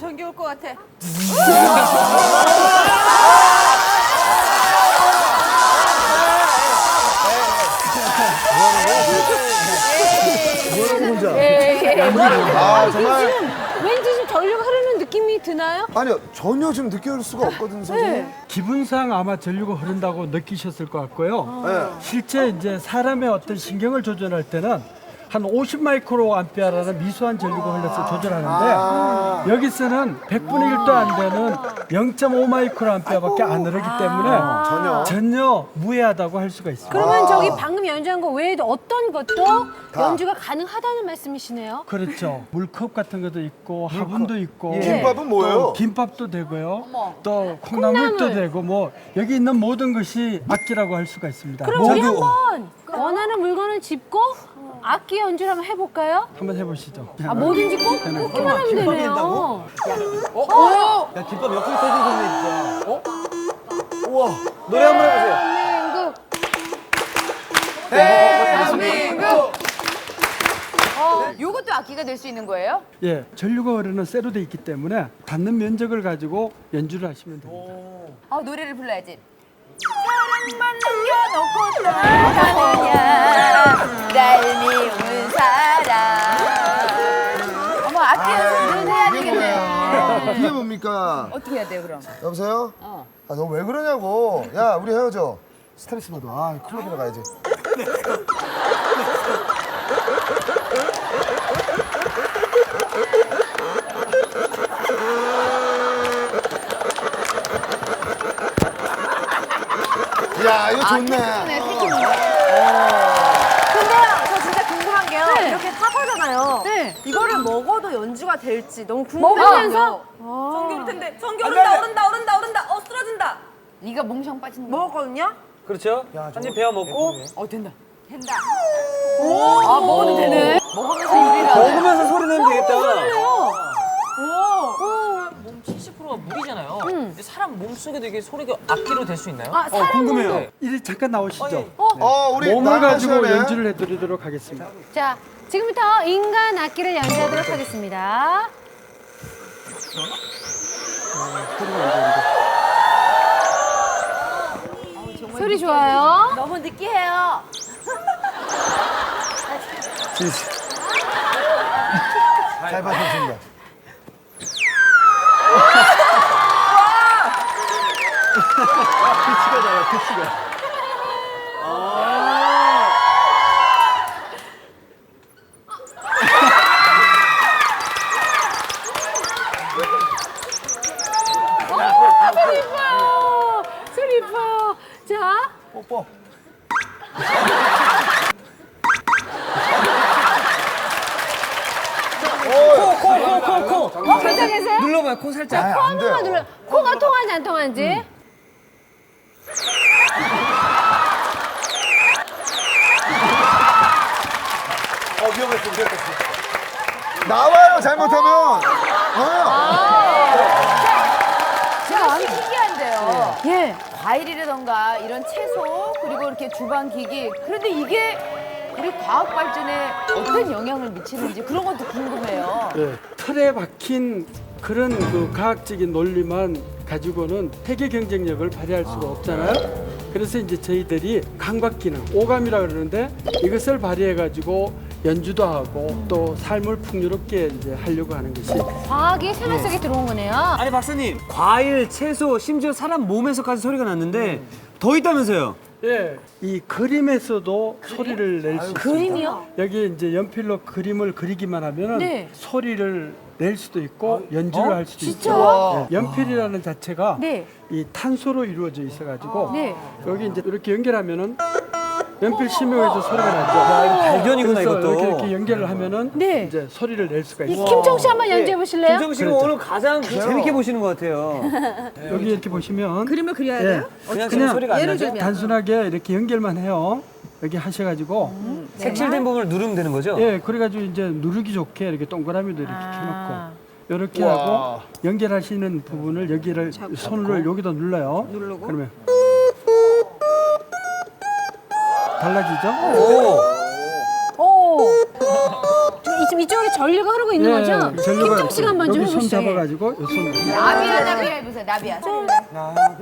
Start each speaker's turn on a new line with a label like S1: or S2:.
S1: 전기 올 것 같아.
S2: 아 정말
S1: 왠지 좀 전류가 흐르는 느낌이 드나요?
S2: 아니요 전혀 지금 느낄 수가 없거든요 선생님.
S3: 기분상 아마 전류가 흐른다고 느끼셨을 것 같고요.
S2: 네.
S3: 실제 이제 사람의 어떤 신경을 조절할 때는 한 50 마이크로 암페어라는 미수한 전류가 흘러서 조절하는데 여기서는 100분의 1도 안 되는 0.5 마이크로 암페어밖에 안 흐르기 때문에 전혀 무해하다고 할 수가 있습니다.
S1: 그러면 저기 방금 연주한 거 외에도 어떤 것도 연주가 가능하다는 말씀이시네요.
S3: 그렇죠. 물컵 같은 것도 있고 화분도 있고
S2: 김밥은 뭐예요?
S3: 또 김밥도 되고요. 또 콩나물도 되고 뭐 여기 있는 모든 것이 악기라고 할 수가 있습니다.
S1: 그럼 우리 한번 원하는 물건을 짚고 악기 연주를 한번 해볼까요?
S3: 한번 해보시죠.
S1: 아 뭐든지 꼭 꽂기만 하면 되네요.
S4: 야, 김밥 옆구리 터진 소리네, 진짜. 우와, 노래 한번 해보세요.
S1: 대한민국.
S5: 요것도 악기가 될 수 있는 거예요?
S3: 예, 전류가 흐르는 쇠로 돼 있기 때문에 닿는 면적을 가지고 연주를 하시면 됩니다.
S5: 노래를 불러야지. 사랑만 남겨놓고 떠나가느냐 날 미운 사람. 어머 악기 연습을 해야 되겠네요.
S2: 이게 뭡니까?
S5: 어떻게 해야 돼요 그럼?
S2: 여보세요? 아 너 왜 그러냐고. 야 우리 헤어져. 스트레스 받아. 아 클럽이나 가야지. 야 이거 좋네.
S6: 근데요, 저 진짜 궁금한 게요.
S1: 네.
S6: 이렇게 사과잖아요.
S1: 네.
S6: 이거를 먹어도 연주가 될지 너무 궁금해요.
S1: 먹으면서
S6: 전기 오를 텐데. 전기 오른다. 쓰러진다.
S5: 네가 몽상 빠진 거.
S6: 먹었거든요?
S4: 그렇죠? 한 입 베어 먹고
S5: 된다. 먹어도 되네. 먹으면서 요리를 하네.
S4: 먹으면서 소리 내면 되겠다.
S7: 몸 70%가 물이잖아요. 근데 사람 몸 속에도 이게 소리가 악기로 될 수 있나요?
S1: 아 사람
S4: 궁금해요.
S3: 이리 잠깐 나오시죠.
S2: 우리
S3: 몸을
S2: 나은아
S3: 가지고
S2: 시간에
S3: 연주를 해드리도록 하겠습니다.
S1: 자 지금부터 인간 악기를 연주하도록 하겠습니다. 소리 좋아요.
S6: 너무 느끼해요.
S2: 잘 받았습니다.
S4: 피치가 나요, 피치가.
S1: 소리 이뻐요. 소리 이뻐요. 자.
S4: 뽀뽀. 코.
S1: 괜찮으세요?
S4: 눌러봐요, 코 살짝.
S1: 코 한 번만 눌러. 코가 통하는지 안 통하는지.
S2: 위험했어. 나와요 잘못하면.
S5: 제가 신기한데요.
S1: 예.
S5: 과일이라던가 이런 채소 그리고 이렇게 주방 기기 그런데 이게 우리 과학 발전에 어떤 영향을 미치는지 그런 것도 궁금해요.
S3: 예, 틀에 박힌 그런 그 과학적인 논리만 가지고는 세계 경쟁력을 발휘할 수가 없잖아요. 그래서 이제 저희들이 감각 기능, 오감이라 그러는데 이것을 발휘해 가지고 연주도 하고 또 삶을 풍요롭게 이제 하려고 하는 것이
S1: 과학이 생활 속에 들어온 거네요.
S4: 아니, 박사님. 과일, 채소, 심지어 사람 몸에서까지 소리가 났는데 더 있다면서요?
S3: 예, 이 그림에서도 소리를 낼 수 있습니다.
S1: 그림이요?
S3: 여기 이제 연필로 그림을 그리기만 하면은
S1: 네.
S3: 소리를 낼 수도 있고 연주를 할 수도
S1: 진짜요?
S3: 있고 예, 연필이라는 자체가
S1: 네.
S3: 이 탄소로 이루어져 있어가지고
S1: 네.
S3: 여기 이제 이렇게 연결하면은 연필 심형에도 소리가 나죠.
S4: 발견이구나,
S3: 그래서
S4: 이것도.
S3: 이렇게 연결을 하면은
S1: 네.
S3: 이제 소리를 낼 수가
S1: 이
S3: 있어요.
S1: 김청 씨 한번 연주해 보실래요?
S4: 김정 씨가
S3: 그렇죠.
S4: 오늘 가장 재밌게 보시는 것 같아요.
S3: 여기 이렇게 보시면
S6: 그림을 그려야
S3: 예,
S6: 돼요?
S4: 그냥 지금 소리가 안 나죠?
S3: 단순하게 이렇게 연결만 해요. 여기 하셔가지고
S4: 색칠된 부분을 누르면 되는 거죠?
S3: 예, 그래가지고 이제 누르기 좋게 이렇게 동그라미도 이렇게
S1: 아.
S3: 켜놓고 이렇게 하고 연결하시는 부분을 여기를 손을 여기다 눌러요.
S6: 누르고.
S3: 그러면 달라지죠?
S4: 오.
S1: 오. 이 지금 이쪽으로 전류가 흐르고 있는 거죠?
S3: 전류가
S1: 김정 씨가 한번 좀
S3: 여기 손
S1: 해보시죠. 예.
S3: 잡아가지고 요 손.
S5: 나비야 해보세요. 나비야.